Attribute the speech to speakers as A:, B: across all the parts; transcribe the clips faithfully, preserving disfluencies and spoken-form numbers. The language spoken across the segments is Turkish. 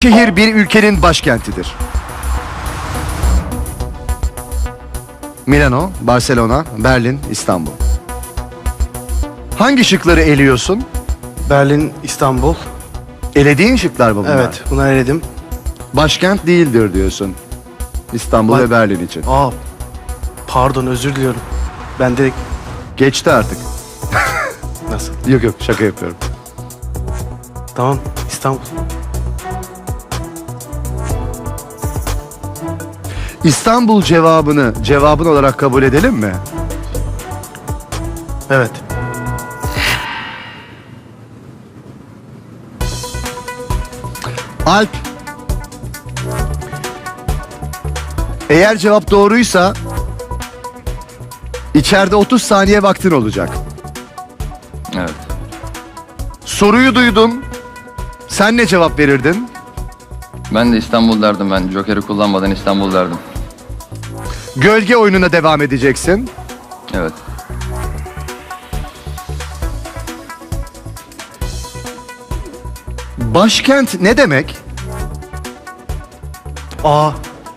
A: Şehir bir ülkenin başkentidir. Milano, Barcelona, Berlin, İstanbul. Hangi şıkları eliyorsun?
B: Berlin, İstanbul.
A: Elediğin şıklar mı bunlar?
B: Evet, bunları eledim.
A: Başkent değildir diyorsun. İstanbul
B: Ba-
A: ve Berlin için.
B: Aa, pardon, özür diliyorum. Ben direkt...
A: Geçti artık.
B: Nasıl?
A: Yok yok, şaka yapıyorum.
B: Tamam, İstanbul.
A: İstanbul cevabını cevabın olarak kabul edelim mi?
B: Evet.
A: Alp. Eğer cevap doğruysa içeride otuz saniye vaktin olacak.
C: Evet.
A: Soruyu duydun. Sen ne cevap verirdin?
C: Ben de İstanbul derdim ben. Joker'i kullanmadan İstanbul derdim.
A: Gölge oyununa devam edeceksin.
C: Evet.
A: Başkent ne demek?
B: Aa.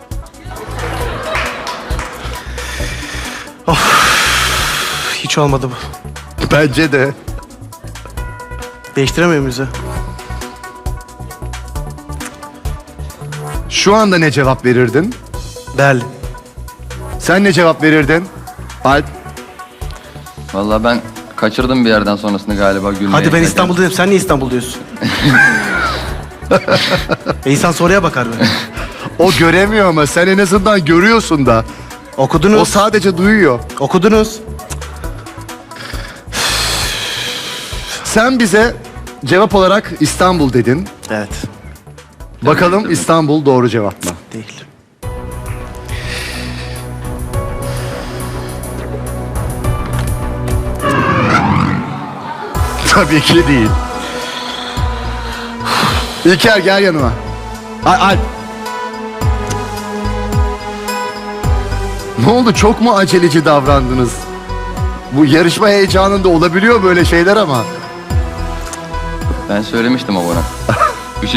B: Of. Hiç olmadı bu.
A: Bence de.
B: Değiştiremiyor muyuz ya?
A: Şu anda ne cevap verirdin?
B: Berlin.
A: Sen ne cevap verirdin? Alp.
C: Vallahi ben kaçırdım bir yerden sonrasını galiba gülmeye.
B: Hadi ben
C: giderken.
B: İstanbul dedim. Sen niye İstanbul diyorsun? e insan soruya bakar mı?
A: O göremiyor ama sen en azından görüyorsun da.
B: Okudunuz.
A: O sadece duyuyor.
B: Okudunuz.
A: Sen bize cevap olarak İstanbul dedin.
B: Evet.
A: Bakalım
C: ederim.
A: İstanbul doğru cevap mı?
B: Değil.
A: Tabii ki değil. İlker gel yanıma. Al, Alp. Ne oldu, çok mu aceleci davrandınız? Bu yarışma heyecanında olabiliyor böyle şeyler ama.
C: Ben söylemiştim o bana.